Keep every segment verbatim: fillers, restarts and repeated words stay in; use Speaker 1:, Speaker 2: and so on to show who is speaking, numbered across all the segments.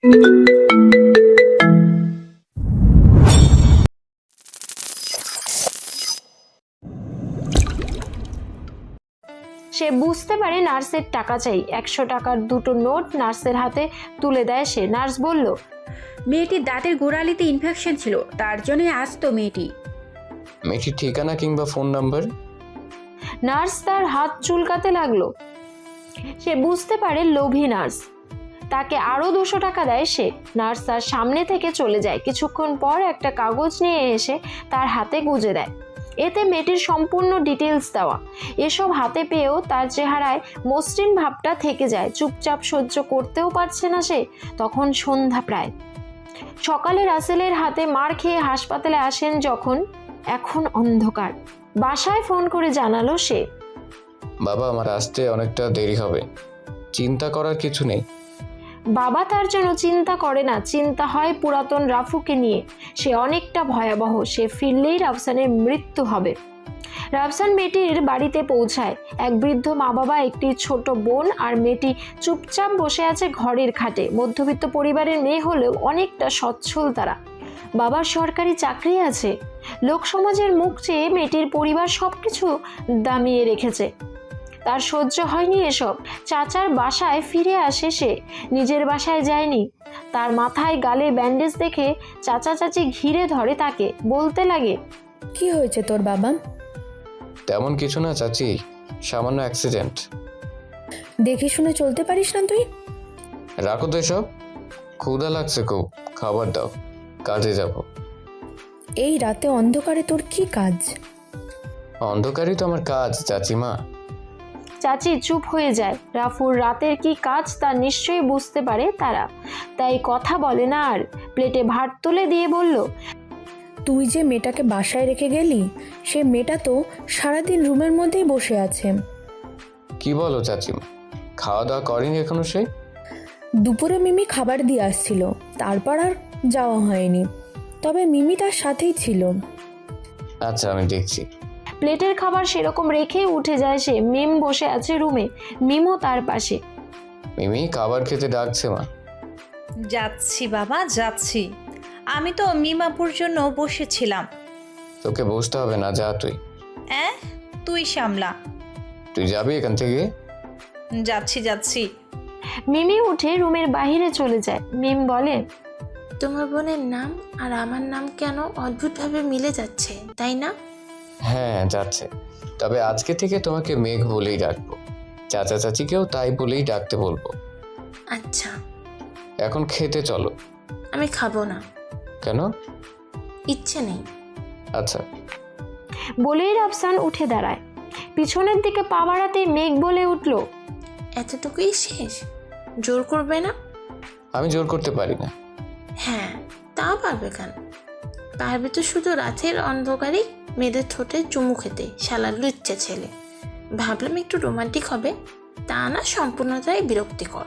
Speaker 1: সে বুঝতে পারে নার্সের টাকা চাই। একশো টাকার দুটো নোট নার্সের হাতে তুলে দেয় সে। নার্স বলল,
Speaker 2: মেয়েটির দাঁতের গোড়ালিতে ইনফেকশন ছিল, তার জন্যই আসতো মেয়েটি।
Speaker 3: মেয়েটির ঠিকানা কিংবা ফোন নাম্বার?
Speaker 1: নার্স তার হাত চুলকাতে লাগলো। সে বুঝতে পারে লোভী নার্স। তাকে আরও দুশো টাকা দেয় সে। নার্স তার সামনে থেকে চলে যায়। কিছুক্ষণ পর একটা কাগজ নিয়ে এসে তার হাতে গুজে দেয়। এতে মেয়েটির সম্পূর্ণ ডিটেলস দেওয়া। এসব হাতে পেয়েও তার চেহারায় মসৃণ ভাবটা থেকে যায়। চুপচাপ সহ্য করতেও পারছে না সে। তখন সন্ধ্যা প্রায়। সকালে রাসেলের হাতে মার খেয়ে হাসপাতালে আসেন যখন। এখন অন্ধকার। বাসায় ফোন করে জানালো সে,
Speaker 3: বাবা, আমার আসতে অনেকটা দেরি হবে। চিন্তা করার কিছু নেই।
Speaker 1: বাবা তার জন্য চিন্তা করে না, চিন্তা হয় পুরাতন রাফুকে নিয়ে। সে অনেকটা ভয়াবহ। সে ফিরলেই রাফসানের মৃত্যু হবে। রাফসান মেয়েটির বাড়িতে পৌঁছায়। এক বৃদ্ধ মা বাবা, একটি ছোট বোন আর মেয়েটি চুপচাপ বসে আছে ঘরের খাটে। মধ্যবিত্ত পরিবারের মেয়ে হলেও অনেকটা সচ্ছল তারা। বাবার সরকারি চাকরি আছে। লোকসমাজের মুখ চেয়ে মেয়েটির পরিবার সব কিছু দামিয়ে রেখেছে। তার সহ্য হয়নি এসব। চাচার বাসায় ফিরে আসে সে, নিজের বাসায় যায়নি। তার মাথায় গালে ব্যান্ডেজ দেখে চাচা চাচি ঘিরে ধরে তাকে। বলতে লাগে,
Speaker 4: কি হয়েছে তোর বাবা?
Speaker 3: তেমন কিছু না চাচি, সামান্য অ্যাক্সিডেন্ট।
Speaker 4: দেখে শুনে চলতে পারিস না তুই?
Speaker 3: রাখো তো এসব। ক্ষুধা লাগছে খুব, খাবার দাও, কাজে যাব।
Speaker 4: এই রাতে অন্ধকারে তোর কি কাজ?
Speaker 3: অন্ধকারই তো আমার কাজ চাচিমা।
Speaker 1: চাচি চুপ হয়ে যায়। রাফুর রাতের কি কাজ তা নিশ্চয়ই বুঝতে পারে তারা, তাই কথা বলে না আর। প্লেটে ভাত তুলে দিয়ে বলল,
Speaker 4: তুই যে মেয়েটাকে বাসায় রেখে গেলি, সে মেয়েটা তো সারাদিন রুমের মধ্যেই বসে আছে।
Speaker 3: কি বলো চাচিমা? খাওয়া দাওয়া করেনি এখনো সে?
Speaker 4: দুপুরে মিমি খাবার দিয়ে আসছিল, তারপর আর যাওয়া হয়নি। তবে মিমি তার সাথেই ছিল।
Speaker 3: আচ্ছা, আমি দেখছি।
Speaker 1: প্লেটের খাবার সেরকম রেখে উঠে যায় সে। মিম বসে আছে রুমে, মিমও তার পাশে।
Speaker 3: মিমি খাবার খেতে ডাকছে মা।
Speaker 5: যাচ্ছি বাবা, যাচ্ছি। আমি তো মিমাপুর জন্য বসেছিলাম।
Speaker 3: তোকে বসতে হবে না, যা তুই।
Speaker 5: অ্যাঁ, তুই সামলা।
Speaker 3: তুই যাবি এখান থেকে?
Speaker 5: যাচ্ছি যাচ্ছি।
Speaker 1: মিমি উঠে রুমের বাইরে চলে যায়। মিম বলে,
Speaker 6: তোমার বোনের নাম আর আমার নাম কেন অদ্ভুতভাবে মিলে যাচ্ছে, তাই না?
Speaker 3: হ্যাঁ, যাচ্ছে। তবে আজকে থেকে তোমাকে মেঘ বলেই ডাকবো। চাচা চাচিকেও তাই বলেই ডাকতে বলবো।
Speaker 6: আচ্ছা।
Speaker 3: এখন খেতে চলো।
Speaker 6: আমি খাবো না।
Speaker 3: কেন?
Speaker 6: ইচ্ছে নেই।
Speaker 3: আচ্ছা।
Speaker 1: বলেই রাফসান উঠে দাঁড়ায়। পিছনের দিকে পা বাড়াতে মেঘ বলে উঠল,
Speaker 6: এতটুকুই শেষ? জোর করবে না?
Speaker 3: আমি জোর করতে পারি না।
Speaker 6: হ্যাঁ, তা পারবে কেন? পারবে তো শুধু রাতের অন্ধকারেই মেয়েদের ঠোঁটে চুমু খেতে, শালা লুচ্চা ছেলে। ভাবলাম একটু রোমান্টিক হবে, তা না, সম্পূর্ণতাই বিরক্তিকর।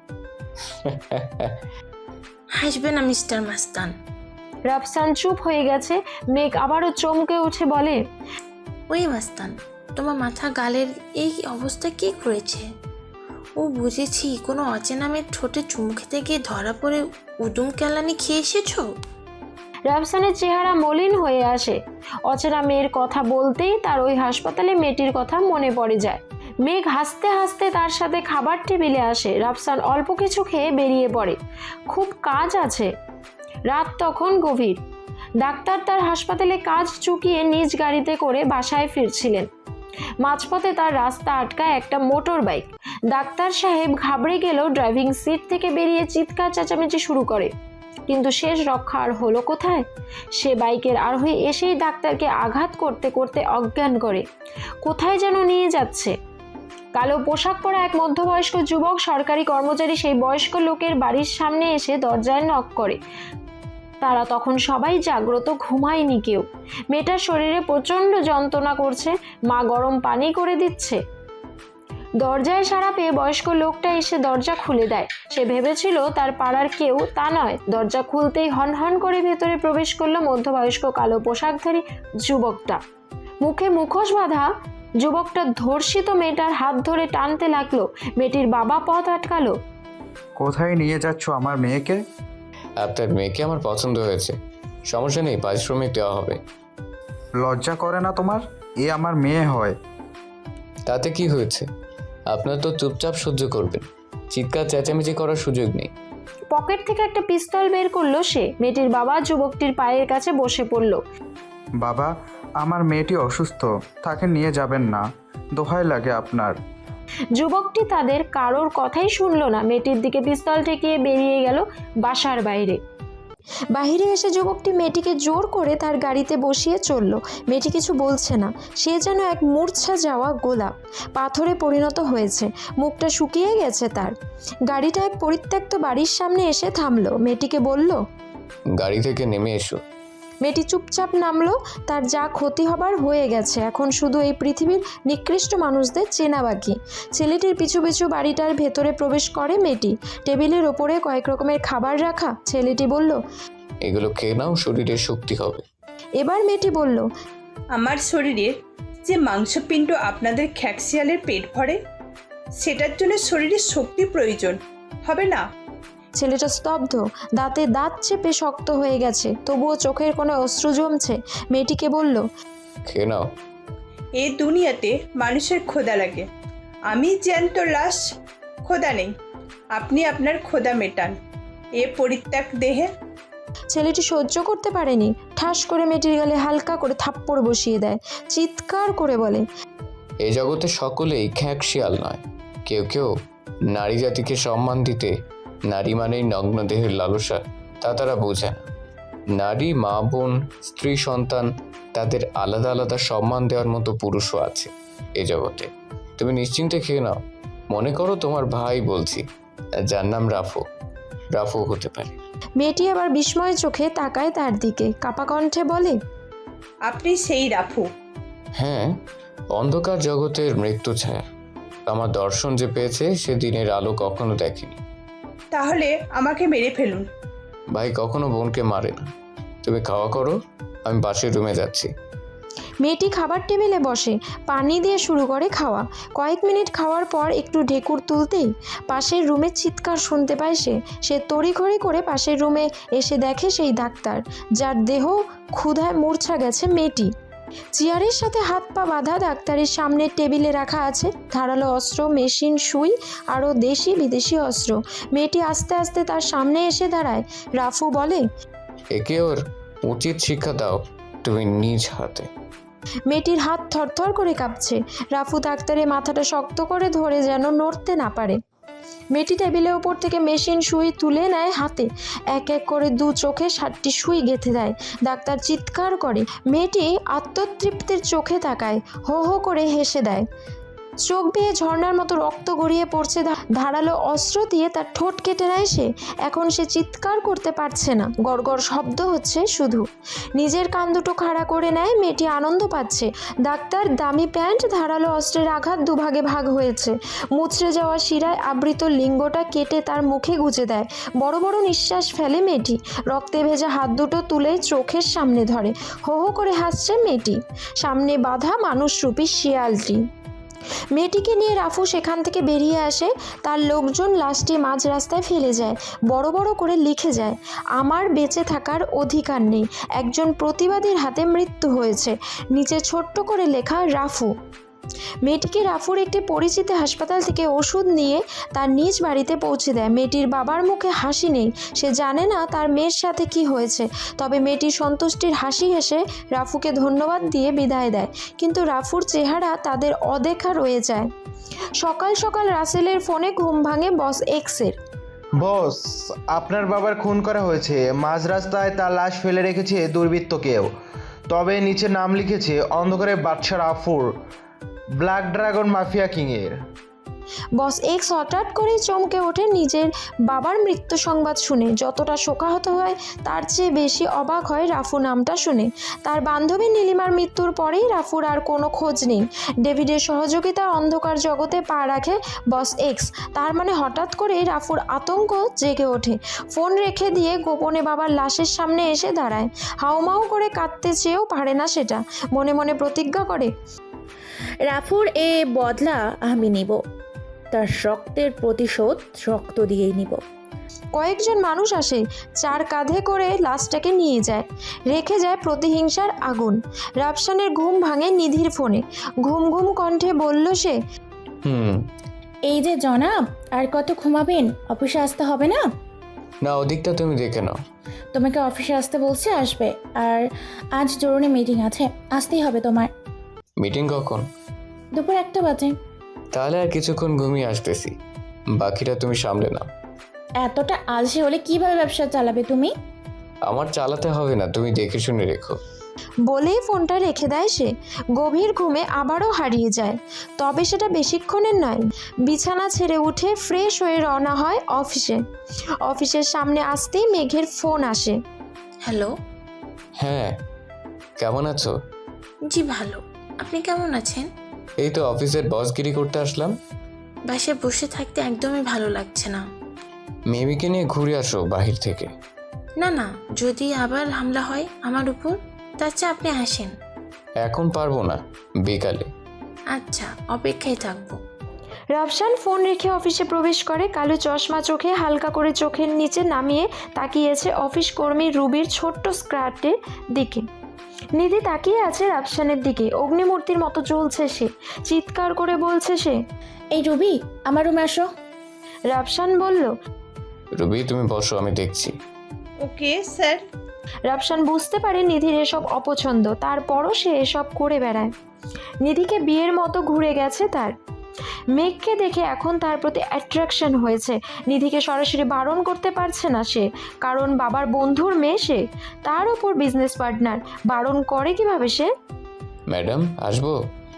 Speaker 6: হাসবে না মিস্টার মাস্তান।
Speaker 1: রাফসান চুপ হয়ে গেছে। মেঘ আবারও চমকে উঠে বলে,
Speaker 6: ওই মাস্তান, তোমার মাথা গালের এই অবস্থা কি করেছে? ও বুঝেছি, কোনো অচেনা মেয়ের ঠোঁটে চুমু খেতে গিয়ে ধরা পড়ে উদুম কেলানি খেয়ে এসেছো।
Speaker 1: রাফসানের চেহারা মলিন হয়ে আসে। অচেনা মেয়ের কথা বলতেই তার ওই হাসপাতালে মেয়েটির কথা মনে পড়ে যায়। মেঘ হাসতে হাসতে তার সাথে খাবার টেবিলে আসে। রাফসান অল্প কিছু খেয়ে বেরিয়ে পড়ে। খুব কাজ আছে। রাত তখন গভীর। ডাক্তার তার হাসপাতালে কাজ চুকিয়ে নিজ গাড়িতে করে বাসায় ফিরছিলেন। মাঝপথে তার রাস্তা আটকায় একটা মোটর বাইক। ডাক্তার সাহেব ঘাবড়ে গেলেও ড্রাইভিং সিট থেকে বেরিয়ে চিৎকার চেঁচামেচি শুরু করে। কিন্তু শেষ রক্ষা আর হলো কোথায়? সে বাইকের আরোহী এসেই ডাক্তারকে আঘাত করতে করতে অজ্ঞান করে। কোথায় যেন নিয়ে যাচ্ছে। কালো পোশাক পরা এক মধ্যবয়স্ক যুবক সরকারি কর্মচারী সেই বয়স্ক লোকের বাড়ির সামনে এসে দরজায় নক করে। তারা তখন সবাই জাগ্রত, ঘুমায়নি কেউ। মেয়েটার শরীরে প্রচণ্ড যন্ত্রণা করছে। মা গরম পানি করে দিচ্ছে। দরজায় সাড়া পেয়ে বয়স্ক লোকটা এসে দরজা খুলে দেয়। সে ভেবেছিল তার পাড়ার কেউ, তা নয়। দরজা খুলতেই হন হন করে ভেতরে প্রবেশ করলো মধ্যবয়স্ক কালো পোশাকধারী যুবকটা। মুখে মুখোশ বাঁধা যুবকটা ধর্ষিত মেয়েটার হাত ধরে টানতে লাগলো। মেয়েটির বাবা পথ আটকালো।
Speaker 7: কোথায় নিয়ে যাচ্ছ আমার মেয়েকে?
Speaker 3: আপনার মেয়েকে আমার পছন্দ হয়েছে, সমস্যা নেই, পারিশ্রমিক দেওয়া হবে।
Speaker 7: লজ্জা করে না তোমার? এ আমার মেয়ে হয়।
Speaker 3: তাতে কি হয়েছে? আপনার তো চুপচাপ সহ্য করবেন, চিৎকার চেঁচামেচি করার সুযোগ নেই।
Speaker 1: পকেট থেকে একটা পিস্তল বের করলো সে। মেয়েটির বাবা যুবকটির পায়ের কাছে বসে পড়ল।
Speaker 7: বাবা, আমার মেয়েটি অসুস্থ, তাকে নিয়ে যাবেন না, দোহাই লাগে আপনার।
Speaker 1: যুবকটি তাদের কারোর কথাই শুনলো না, মেয়েটির দিকে পিস্তল ঠেকিয়ে বেরিয়ে গেল বাসার বাইরে। বাহিরে এসে যুবকটি মেয়েটিকে জোর করে তার গাড়িতে বসিয়ে চলল। মেয়েটি কিছু বলছে না, সে যেন এক মূর্ছা যাওয়া গোলাপ, পাথরে পরিণত হয়েছে, মুখটা শুকিয়ে গেছে তার। গাড়িটা এক পরিত্যক্ত বাড়ির সামনে এসে থামলো। মেয়েটিকে বলল,
Speaker 3: গাড়ি থেকে নেমে এসো।
Speaker 1: মেয়েটি চুপচাপ নামলো। তার যা ক্ষতি হবার হয়ে গেছে, এখন শুধু এই পৃথিবীর নিকৃষ্ট মানুষদের চেনা বাকি। ছেলেটির পিছু পিছু বাড়িটার ভেতরে প্রবেশ করে মেয়েটি। টেবিলের ওপরে কয়েক রকমের খাবার রাখা। ছেলেটি বলল,
Speaker 3: এগুলো খেয়ে নাও, শরীরে শক্তি হবে।
Speaker 1: এবার মেয়েটি বলল,
Speaker 8: আমার শরীরের যে মাংসপিণ্ড আপনাদের খ্যাকশিয়ালের পেট ভরে, সেটার জন্য শরীরে শক্তি প্রয়োজন হবে না।
Speaker 1: ছেলেটা স্তব্ধ, দাঁতে দাঁত চেপে শক্ত হয়ে গেছে, তবুও চোখের কোণে অশ্রু জমছে। মেয়েটিকে বলল,
Speaker 3: খেয়ে নাও।
Speaker 8: এই দুনিয়াতে মানুষের ক্ষুধা লাগে, আমি জ্যান্ত লাশ, ক্ষুধা নেই। আপনি আপনার ক্ষুধা মেটান এ পরিত্যাগ দেহে।
Speaker 1: ছেলেটি সহ্য করতে পারেনি, ঠাস করে মেয়েটির গালে হালকা করে থাপ্পড় বসিয়ে দেয়। চিৎকার করে বলে,
Speaker 3: এই জগতে সকলেই খ্যাকশিয়াল নয়। কেউ কেউ নারী জাতিকে সম্মান দিতে নারী মানেই নগ্ন দেহের লালসা, তা তারা বোঝে না। নারী, মা, বোন, স্ত্রী, সন্তান, তাদের আলাদা আলাদা সম্মান দেওয়ার মতো পুরুষও আছে এ জগতে। তুমি নিশ্চিন্তে খেয়ে নাও। মনে করো তোমার ভাই বলছি, যার নাম রাফু। রাফু হতে পারে।
Speaker 1: মেয়েটি আবার বিস্ময় চোখে তাকায় তার দিকে, কাপা কণ্ঠে বলে,
Speaker 8: আপনি সেই রাফু?
Speaker 3: হ্যাঁ, অন্ধকার জগতের মৃত্যু ছায়া। আমার দর্শন যে পেয়েছে সে দিনের আলো কখনো দেখেনি।
Speaker 8: তাহলে আমাকে মেরে ফেলুন।
Speaker 3: ভাই কখনো বোনকে মারে না। তুমি খাওয়া করো, আমি পাশের রুমে যাচ্ছি।
Speaker 1: মেয়েটি খাবার টেবিলে বসে পানি দিয়ে শুরু করে খাওয়া। কয়েক মিনিট খাওয়ার পর একটু ঢেকুর তুলতেই পাশের রুমে চিৎকার শুনতে পায় সে। সে তড়িঘড়ি করে পাশের রুমে এসে দেখে সেই ডাক্তার, যার দেহ ক্ষুধায় মূর্ছা গেছে। মেয়েটি চেয়ারের সাথে হাত পা বাঁধা, ডাক্তারের সামনে টেবিলে রাখা আছে ধারালো অস্ত্র, মেশিন, সুই, আরও দেশি বিদেশি অস্ত্র। মেয়েটি আস্তে আস্তে তার সামনে এসে দাঁড়ায়। রাফু বলে,
Speaker 3: একে ওর উচিত শিক্ষা দাও তুমি নিজ হাতে।
Speaker 1: মেয়েটির হাত থরথর করে কাঁপছে। রাফু ডাক্তারের মাথাটা শক্ত করে ধরে যেন নড়তে না পারে। মেয়েটি টেবিলের ওপর থেকে মেশিন, সুই তুলে নেয় হাতে। এক এক করে দু চোখে ষাটটি সুই গেঁথে দেয়। ডাক্তার চিৎকার করে। মেয়েটি আত্মতৃপ্তির চোখে তাকায়, হো হো করে হেসে দেয়। চোখ বেয়ে ঝর্ণার মতো রক্ত গড়িয়ে পড়ছে। ধারালো অস্ত্র দিয়ে তার ঠোঁট কেটে নেয় সে। এখন সে চিৎকার করতে পারছে না, গড়গড় শব্দ হচ্ছে শুধু। নিজের কান দুটো খাড়া করে নেয়। মেয়েটি আনন্দ পাচ্ছে। ডাক্তার দামি প্যান্ট, ধারালো অস্ত্রের আঘাত দুভাগে ভাগ হয়েছে। মুচড়ে যাওয়া শিরায় আবৃত লিঙ্গটা কেটে তার মুখে গুজে দেয়। বড় বড় নিঃশ্বাস ফেলে মেয়েটি। রক্তে ভেজা হাত দুটো তুলে চোখের সামনে ধরে। হো হো করে হাসছে মেয়েটি। সামনে বাঁধা মানুষরূপী শিয়ালটি। মেয়েটিকে নিয়ে রাফু সেখান থেকে বেরিয়ে আসে। তার লোকজন লাশটি মাঝ রাস্তায় ফেলে যায়। বড় বড় করে লিখে যায়, আমার বেঁচে থাকার অধিকার নেই, একজন প্রতিবাদীর হাতে মৃত্যু হয়েছে। নিচে ছোট্ট করে লেখা রাফু। মেয়েটিকে রাফুর একটি পরিচিত হাসপাতাল থেকে ওষুধ নিয়ে তার নিজ বাড়িতে পৌঁছে দেয়। মেয়েটির বাবার মুখে হাসি নেই। সে জানে না তার মেয়ের সাথে কি হয়েছে। তবে মেয়েটির সন্তুষ্টির হাসি হেসে রাফুকে ধন্যবাদ দিয়ে বিদায় দেয়। কিন্তু রাফুর চেহারা তাদের অদেখা রয়ে যায়। সকাল সকাল রাসেলের ফোনে ঘুম ভাঙে বস এক্সের।
Speaker 9: বস, আপনার বাবার খুন করা হয়েছে। মাঝ রাস্তায় তার লাশ ফেলে রেখেছে দুর্বৃত্ত কেউ। তবে নিচে নাম লিখেছে অন্ধকারের বাদশা রাফুর, ব্ল্যাক ড্রাগন মাফিয়া কিংয়ের।
Speaker 1: বস এক্স হঠাৎ করে চমকে ওঠে নিজের বাবার মৃত্যু সংবাদ শুনে। যতটা শোকাহত হয় তার চেয়ে বেশি অবাক হয় রাফু নামটা শুনে। তার বান্ধবী নীলিমার মৃত্যুর পরেই রাফুর আর কোনো খোঁজ নেই। ডেভিডের সহযোগিতায় অন্ধকার জগতে পা রাখে বস এক্স। তার মানে হঠাৎ করে রাফুর আতঙ্ক জেগে ওঠে। ফোন রেখে দিয়ে গোপনে বাবার লাশের সামনে এসে দাঁড়ায়। হাউমাউ করে কাঁদতে চেয়েও পারে না সেটা। মনে মনে প্রতিজ্ঞা করে,
Speaker 2: রাফুর এ বদলা আমি নিব। তার রক্তের প্রতিশোধ রক্ত দিয়েই নিব।
Speaker 1: কয়েকজন মানুষ আসে, চার কাঁধে করে লাশটাকে নিয়ে যায়, রেখে যায় প্রতিহিংসার আগুন। রাফসানের ঘুম ভাঙে নিধির ফোনে। ঘুম ঘুম কণ্ঠে বলল সে,
Speaker 3: হুম।
Speaker 2: এই যে জনাব, আর কত ঘুমাবেন? অফিসে আসতে হবে না?
Speaker 3: না, ওদিকটা তুমি দেখে নাও।
Speaker 2: তোমাকে অফিসে আসতে বলছে, আসবে। আর আজ জরুরি মিটিং আছে, আসতেই হবে তোমার।
Speaker 3: মিটিং কখন?
Speaker 2: দুপুর একটা বাজে।
Speaker 3: তাহলে আর কিছুক্ষণ ঘুমিয়ে আসতেছি, বাকিটা তুমি সামলে নাও।
Speaker 2: এতটা আলসে হলে কিভাবে ব্যবসা চালাবে তুমি?
Speaker 3: আমার চালাতে হবে না, তুমি দেখে শুনে রেখো।
Speaker 1: বলেই ফোনটা রেখে দেয় সে। গভীর ঘুমে আবারও হারিয়ে যায়। তবে সেটা বেশিক্ষণের নয়। বিছানা ছেড়ে উঠে ফ্রেশ হয়ে রওনা হয় অফিসে। অফিসের সামনে আসতেই মেঘের ফোন আসে।
Speaker 6: হ্যালো।
Speaker 3: হ্যাঁ, কেমন আছো?
Speaker 6: জি ভালো, আপনি কেমন আছেন?
Speaker 3: এই তো অফিসের বসগিরি করতে আসলাম।
Speaker 6: বাসায় বসে থাকতে একদমই ভালো লাগছে না।
Speaker 3: মেমিকে নিয়ে ঘুরে আসো বাহির থেকে।
Speaker 6: না না, যদি আবার হামলা হয় আমার উপর, তার চেয়ে আপনি আসেন।
Speaker 3: এখন পারবো না, বিকালে।
Speaker 6: আচ্ছা, অপেক্ষায় থাকবো।
Speaker 1: রাফসান ফোন রেখে অফিসে প্রবেশ করে। কালো চশমা চোখে হালকা করে চোখের নিচে নামিয়ে তাকিয়েছে অফিস কর্মী রুবির ছোট্ট স্কার্টের দিকে। নিধি তাকিয়ে আছে রাফসানের দিকে। অগ্নিমূর্তির মতো জ্বলছে সে। চিৎকার করে বলছে সে,
Speaker 2: এই রুবি, আমার রুমে আসো।
Speaker 1: রাফসান বলল,
Speaker 3: রুবি তুমি বসো, আমি দেখছি।
Speaker 8: Okay sir.
Speaker 1: রাফসান বুঝতে পারে নিধির এসব অপছন্দ, তারপরও সে এসব করে বেড়ায়। নিধিকে বিয়ের মতো ঘুরে গেছে তার। মেঘকে দেখে এখন তার প্রতি অ্যাট্রাকশন হয়েছে। নিধিকে সরাসরি বারণ করতে পারছে না সে, কারণ বাবার বন্ধুর মেয়ে সে, তার ওপর বিজনেস পার্টনার। বারণ করে কিভাবে সে?
Speaker 3: ম্যাডাম আসবো?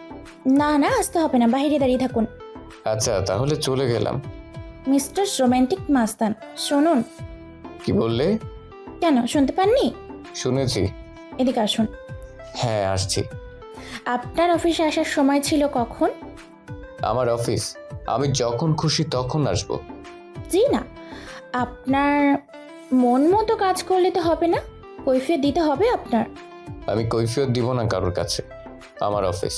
Speaker 2: না না, আসতে হবে না, বাইরে দাঁড়িয়ে থাকুন।
Speaker 3: আচ্ছা, তাহলে চলে গেলাম।
Speaker 2: মিস্টার রোমান্টিক মাস্তান, শুনুন।
Speaker 3: কি বললে?
Speaker 2: কেন, শুনতে পাননি?
Speaker 3: শুনেছি।
Speaker 2: এদিকে আসুন।
Speaker 3: হ্যাঁ, আসছি।
Speaker 2: আপনার অফিসে আসার সময় ছিল কখন?
Speaker 3: আমার অফিস আমি যখন খুশি তখন আসবো।
Speaker 2: জি না, আপনার মন মতো কাজ করলে তো হবে না, কৈফিয়ত দিতে হবে আপনার।
Speaker 3: আমি কৈফিয়ত দিব না কারোর কাছে, আমার অফিস।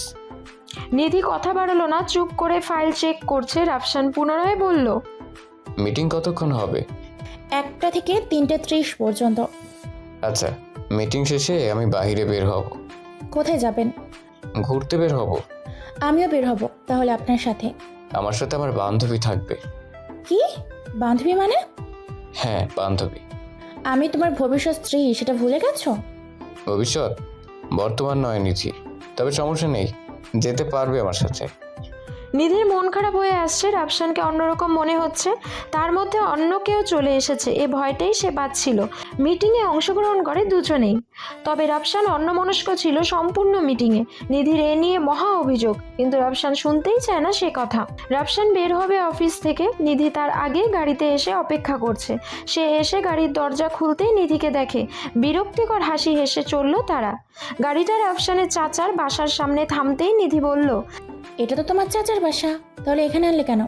Speaker 1: নিধি কথা বাড়ালো না, চুপ করে ফাইল চেক করছে। রাফসান পুনরায় বলল,
Speaker 3: মিটিং কতক্ষণ হবে?
Speaker 2: একটা থেকে তিনটে ত্রিশ পর্যন্ত।
Speaker 3: আচ্ছা, মিটিং শেষে আমি বাইরে বের হব।
Speaker 2: কোথায় যাবেন?
Speaker 3: ঘুরতে বের হব।
Speaker 2: আমিও বের হব তাহলে আপনার সাথে।
Speaker 3: আমার সাথে আমার বান্ধবী থাকবে।
Speaker 2: কি বান্ধবী মানে?
Speaker 3: হ্যাঁ, বান্ধবী।
Speaker 2: আমি তোমার ভবিষ্যৎ স্ত্রী, সেটা ভুলে গেছো?
Speaker 3: ভবিষ্যৎ বর্তমান নয় নিচি, তবে সমস্যা নেই, যেতে পারবে আমার সাথে।
Speaker 1: নিধির মন খারাপ হয়ে আসছে। রাফসানকে অন্যরকম মনে হচ্ছে, তার মধ্যে অন্য কেউ চলে এসেছে, এ ভয়টাই সে পাচ্ছিল। মিটিংয়ে অংশগ্রহণ করে দুজনেই, তবে রাফসান অন্যমনস্ক ছিল সম্পূর্ণ মিটিংয়ে। নিধির এ নিয়ে মহা অভিযোগ, কিন্তু রাফসান শুনতেই চায় না সে কথা। রাফসান বের হবে অফিস থেকে। নিধি তার আগে গাড়িতে এসে অপেক্ষা করছে। সে এসে গাড়ির দরজা খুলতেই নিধিকে দেখে। বিরক্তিকর হাসি হেসে চলল তারা। গাড়িটা রাফসানের চাচার বাসার সামনে থামতেই নিধি বলল,
Speaker 2: এটা তো তোমার চাচার বাসা, তাহলে এখানে আনলে কেন?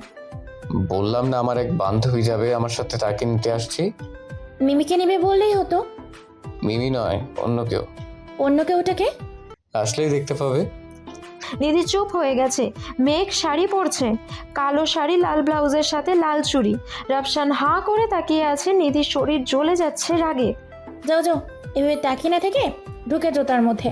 Speaker 3: বললাম না আমার এক বান্ধবী যাবে আমার সাথে, তাকে নিতে আসছি।
Speaker 2: মিমিকে নেবে বললেই হতো।
Speaker 3: মিমি নয়, অন্য কেউ।
Speaker 2: অন্য কেউটাকে
Speaker 3: আসলেই দেখতে পাবে।
Speaker 1: নিধি চুপ হয়ে গেছে। মেঘ শাড়ি পরছে, কালো শাড়ি, লাল ব্লাউজের সাথে লাল চুড়ি। রাফসান হাঁ করে তাকিয়ে আছে। নিধির শরীর জ্বলে যাচ্ছে রাগে।
Speaker 2: যাও যাও, এভাবে তাকিয়ে না থেকে ঢুকে যাও তার মধ্যে।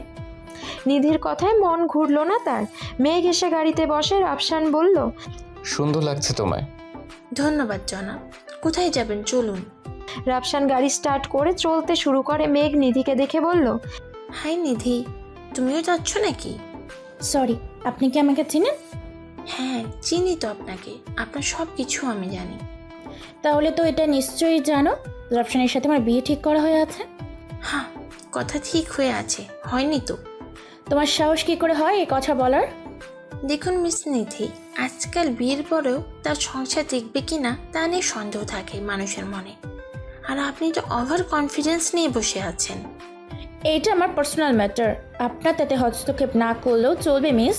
Speaker 1: নিধির কথায় মন ঘুরল না তার। মেঘ এসে গাড়িতে বসে। রাফসান বলল,
Speaker 3: সুন্দর লাগছে তোমায়।
Speaker 6: ধন্যবাদ জনাব। কোথায় যাবেন, চলুন।
Speaker 1: রাফসান গাড়ি স্টার্ট করে চলতে শুরু করে। মেঘ নিধিকে দেখে বলল,
Speaker 6: হাই নিধি, তুমিও যাচ্ছ নাকি?
Speaker 2: সরি, আপনি কি আমাকে চিনেন?
Speaker 6: হ্যাঁ, চিনি তো আপনাকে, আপনার সব কিছু আমি জানি।
Speaker 2: তাহলে তো এটা নিশ্চয়ই জানো রাফসানের সাথে আমার বিয়ে ঠিক করা হয়ে আছে।
Speaker 6: হ্যাঁ, কথা ঠিক হয়ে আছে, হয়নি তো?
Speaker 2: তোমার সাহস কি করে হয় এই কথা বলার?
Speaker 6: দেখুন মিস নিধি, আজকাল বিয়ের পরেও তার সংসার দেখবে কি না তা নিয়ে সন্দেহ থাকে মানুষের মনে। আর আপনি তো ওভার কনফিডেন্স নিয়ে বসে আছেন।
Speaker 2: এইটা আমার পার্সোনাল ম্যাটার, আপনার তাতে হস্তক্ষেপ না করলেও চলবে মিস।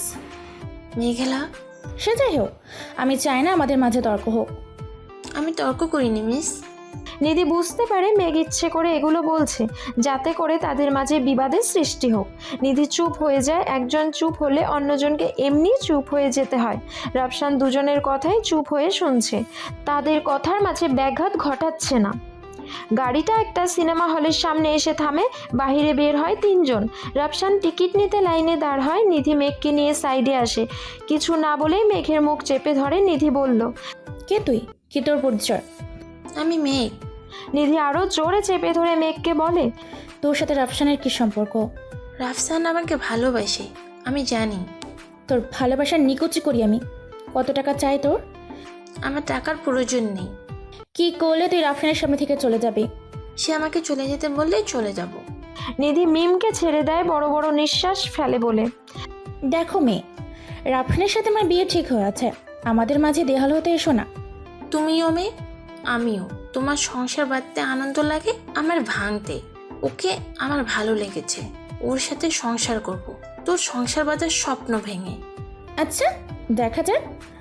Speaker 6: মেঘলা,
Speaker 2: সে যাই হোক, আমি চাই না আমাদের মাঝে তর্ক হোক।
Speaker 6: আমি তর্ক করিনি মিস।
Speaker 1: নিধি বুঝতে পারে মেঘ ইচ্ছে করে এগুলো বলছে যাতে করে তাদের মাঝে বিবাদের সৃষ্টি হোক। নিধি চুপ হয়ে যায়। একজন চুপ হলে অন্যজনকে এমনি চুপ হয়ে যেতে হয়। রাফসান দুজনের কথাই চুপ হয়ে শুনছে, তাদের কথার মাঝে ব্যাঘাত ঘটাচ্ছে না। গাড়িটা একটা সিনেমা হলের সামনে এসে থামে। বাহিরে বের হয় তিনজন। রাফসান টিকিট নিতে লাইনে দাঁড় হয়। নিধি মেঘকে নিয়ে সাইডে আসে। কিছু না বলেই মেঘের মুখ চেপে ধরে। নিধি বলল,
Speaker 2: কে তুই? কি তোর পরিচয়?
Speaker 6: আমি মেঘ।
Speaker 1: নিধি আরও জোরে চেপে ধরে মেঘকে বলে,
Speaker 2: তোর সাথে রাফসানের কি সম্পর্ক?
Speaker 6: রাফসান আমাকে ভালোবাসে, আমি জানি।
Speaker 2: তোর ভালোবাসার নিকুচি করি আমি। কত টাকা চাই তোর?
Speaker 6: আমার টাকার প্রয়োজন নেই।
Speaker 2: কি করলে তুই রাফসানের সামনে থেকে চলে যাবি?
Speaker 6: সে আমাকে চলে যেতে বললেই চলে যাব।
Speaker 1: নিধি মিমকে ছেড়ে দেয়, বড় বড় নিঃশ্বাস ফেলে বলে,
Speaker 2: দেখো মেয়ে, রাফসানের সাথে আমার বিয়ে ঠিক হয়ে আছে। আমাদের মাঝে দেহাল হতে এসো না।
Speaker 6: তুমিও মেয়ে, আমিও। তোমার সংসার বাঁধতে আনন্দ লাগে, আমার ভাঙতে। ওকে আমার ভালো লেগেছে, ওর সাথে সংসার করব। তোর সংসার বাঁধার স্বপ্ন ভেঙে।
Speaker 2: আচ্ছা, দেখা যাক।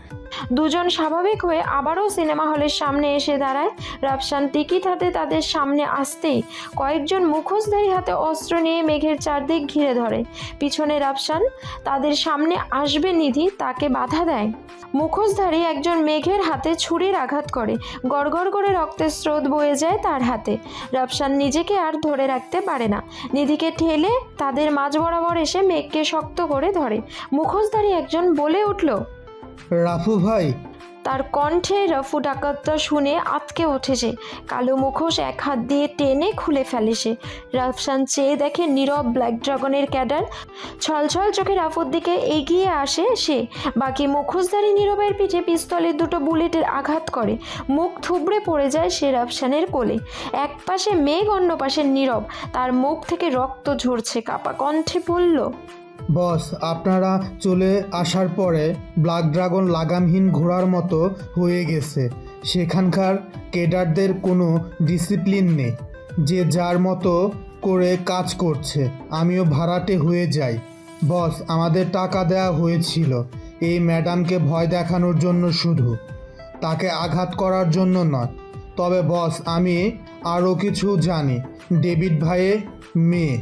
Speaker 1: দুজন স্বাভাবিক হয়ে আবারও সিনেমা হলের সামনে এসে দাঁড়ায়। রাফসান টিকিট হাতে তাদের সামনে আসতেই কয়েকজন মুখোশধারী হাতে অস্ত্র নিয়ে মেঘের চারদিক ঘিরে ধরে। পিছনে রাফসান তাদের সামনে আসবে নিধি তাকে বাধা দেয়। মুখোশধারী একজন মেঘের হাতে ছুরির আঘাত করে। গড়গড় করে রক্তের স্রোত বয়ে যায় তার হাতে। রাফসান নিজেকে আর ধরে রাখতে পারে না। নিধিকে ঠেলে তাদের মাঝ বরাবর এসে মেঘকে শক্ত করে ধরে। মুখোশধারী একজন বলে উঠল,
Speaker 10: রাফু ভাই।
Speaker 1: তার কণ্ঠে রফু ডাকাতটা শুনে আতকে ওঠেছে। কালো মুখোশ এক হাত দিয়ে টেনে খুলে ফেলে সে। রাফসান চেয়ে দেখে নীরব ব্ল্যাক ড্রাগনের ক্যাডার। ছলছল চোখে রাফুর দিকে এগিয়ে আসে সে। বাকি মুখোশধারী নীরবের পিঠে পিস্তলের দুটো বুলেটের আঘাত করে। মুখ থুবড়ে পড়ে যায় সে রাফসানের কোলে। এক পাশে মেঘ, অন্য পাশে নীরব। তার মুখ থেকে রক্ত ঝরছে। কাপা কণ্ঠে বলল,
Speaker 10: বস, আপনারা চলে আসার পরে ব্ল্যাক ড্রাগন লাগামহীন ঘোড়ার মতো হয়ে গেছে। সেখানকার কেডারদের কোনো ডিসিপ্লিন নেই, যে যার মতো করে কাজ করছে। আমিও ভাড়াটে হয়ে যাই। বস, আমাদের টাকা দেওয়া হয়েছিল এই ম্যাডামকে ভয় দেখানোর জন্য, শুধু তাকে আঘাত করার জন্য নয়। তবে বস, আমি আরও কিছু জানি। ডেভিড ভাইয়ের মেয়ে।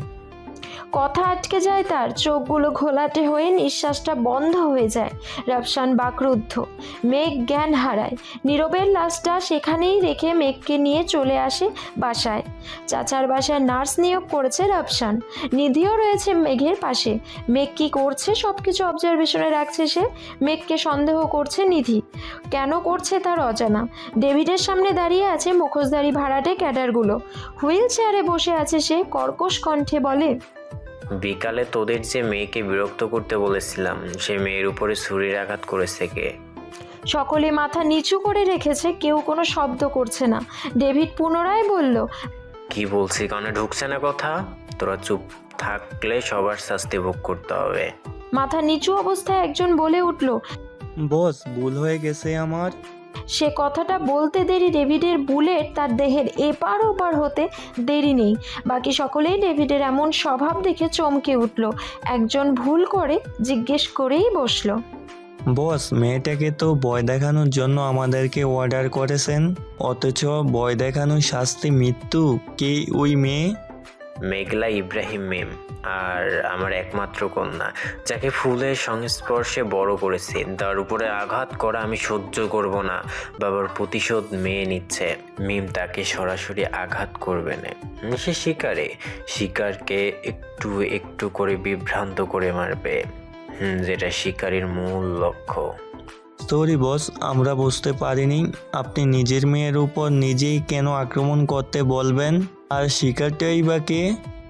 Speaker 1: কথা আটকে যায় তার। চোখগুলো ঘোলাটে হয়ে নিঃশ্বাসটা বন্ধ হয়ে যায়। রাফসান বাকরুদ্ধ। মেঘ জ্ঞান হারায়। নীরবের লাশটা সেখানেই রেখে মেঘকে নিয়ে চলে আসে বাসায়। চাচার বাসায় নার্স নিয়োগ করেছে রাফসান। নিধিও রয়েছে মেঘের পাশে। মেঘ কী করছে সব কিছু অবজারভেশনে রাখছে সে। মেঘকে সন্দেহ করছে নিধি। কেন করছে তার অজানা। ডেভিডের সামনে দাঁড়িয়ে আছে মুখোশধারী ভাড়াটে ক্যাডারগুলো। হুইল চেয়ারে বসে আছে সে। কর্কশ কণ্ঠে বলে,
Speaker 11: বিকালে তোদের যে মেয়েকে বিরক্ত করতে বলেছিলাম, সে মেয়ের উপরে ছুরির আঘাত করেছে কে?
Speaker 1: সকলে মাথা নিচু করে রেখেছে, কেউ কোনো শব্দ করছে না। ডেভিড পুনরায় বলল,
Speaker 11: কি বলছি কানে ঢুকছে না কথা? তোরা চুপ থাকলে সবার শাস্তি ভোগ করতে হবে।
Speaker 1: মাথা নিচু অবস্থায় একজন বলে উঠল,
Speaker 12: বস, ভুল হয়ে গেছে আমার।
Speaker 1: সে কথাটা বলতে দেরি ডেভিডের বুলেট তার দেহের এপার ওপার হতে দেরি নেই। বাকি সকলেই ডেভিডের এমন স্বভাব দেখে চমকে উঠল। একজন ভুল করে জিজ্ঞেস করেই বসলো,
Speaker 12: বস, মেয়েটাকে তো ভয় দেখানোর জন্য আমাদেরকে অর্ডার করেছেন, অথচ ভয় দেখানোর শাস্তি মৃত্যু। কে ওই মেয়ে?
Speaker 11: মেঘলা ইব্রাহিম মেম, আর আমার একমাত্র কন্যা, যাকে ফুলের সংস্পর্শে বড় করেছি। তার উপরে আঘাত করা আমি সহ্য করব না। বাবার প্রতিশোধ মেয়ে নিচ্ছে। মিম তাকে সরাসরি আঘাত করবে না। সে শিকারে শিকারকে একটু একটু করে বিভ্রান্ত করে মারবে, হুম যেটা শিকারীর মূল লক্ষ্য।
Speaker 12: সরি বস, আমরা বুঝতে পারিনি। আপনি নিজের মেয়ের উপর নিজেই কেন আক্রমণ করতে বলবেন? আর শিকারটাই বা কে?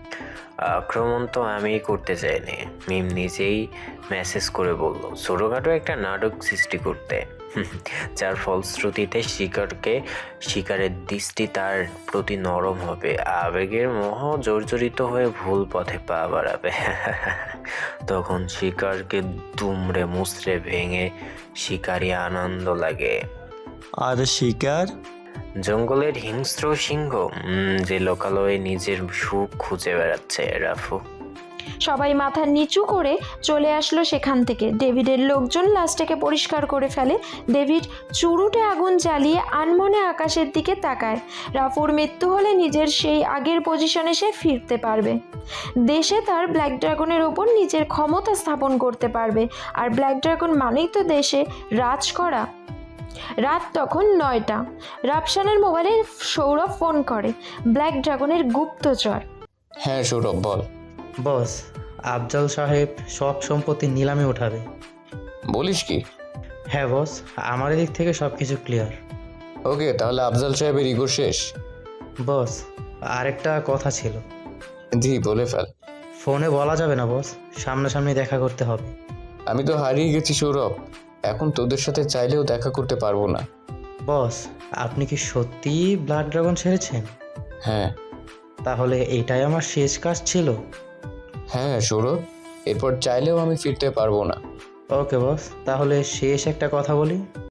Speaker 11: আক্রমণ তো আমিই করতে চাইনি, মিম নিজেই মেসেজ করে বলল ছোটোখাটো একটা নাটক সৃষ্টি করতে, যার ফলশ্রুতিতে শিকারকে শিকারের দৃষ্টি তার প্রতি নরম হবে, আবেগের মোহ জর্জরিত হয়ে ভুল পথে পা বাড়াবে। তখন শিকারকে দুমড়ে মুচড়ে ভেঙে শিকারই আনন্দ লাগে।
Speaker 12: আর শিকার?
Speaker 11: জঙ্গলের হিংস্র সিংহ, যে লোকালয়ে নিজের সুখ খুঁজে বেড়াচ্ছে। রাফু,
Speaker 1: সবাই মাথা নিচু করে চলে আসলো সেখান থেকে। ডেভিডের লোকজন লাশটাকে পরিষ্কার করে ফেলে। ডেভিড চুরুটে আগুন জ্বালিয়ে আনমনে আকাশের দিকে তাকায়। রাফুর মৃত্যু হলে নিজের সেই আগের পজিশনে সে ফিরতে পারবে। দেশে তার ব্ল্যাক ড্রাগনের ওপর নিজের ক্ষমতা স্থাপন করতে পারবে। আর ব্ল্যাক ড্রাগন মানেই তো দেশে রাজ করা। রাত তখন নয়টা। রাফসানের মোবাইলে সৌরভ ফোন করে। ব্ল্যাক ড্রাগনের গুপ্তচর।
Speaker 3: হ্যাঁ সৌরভ বল।
Speaker 13: বস, আফজাল সাহেব সব সম্পত্তি নিলামে উঠাবে।
Speaker 3: বলিস কি?
Speaker 13: হ্যাঁ বস, আমার দিক থেকে সব কিছু ক্লিয়ার।
Speaker 3: ওকে, তাহলে আফজাল সাহেবের ইগো শেষ।
Speaker 13: বস, আরেকটা কথা ছিল।
Speaker 3: জি বলে ফেল।
Speaker 13: ফোনে বলা যাবে না বস, সামনাসামনি দেখা করতে হবে।
Speaker 3: আমি তো হারিয়ে গেছি সৌরভ, এখন তোদের সাথে চাইলেও দেখা করতে পারবো না।
Speaker 13: বস, আপনি কি সত্যিই ব্লাড ড্রাগন ছেড়েছেন?
Speaker 3: হ্যাঁ।
Speaker 13: তাহলে এটাই আমার শেষ কাজ ছিল?
Speaker 3: হ্যাঁ সৌরভ, এরপর চাইলেও আমি ফিরতে পারবো না।
Speaker 13: ওকে বস, তাহলে শেষ একটা কথা বলি।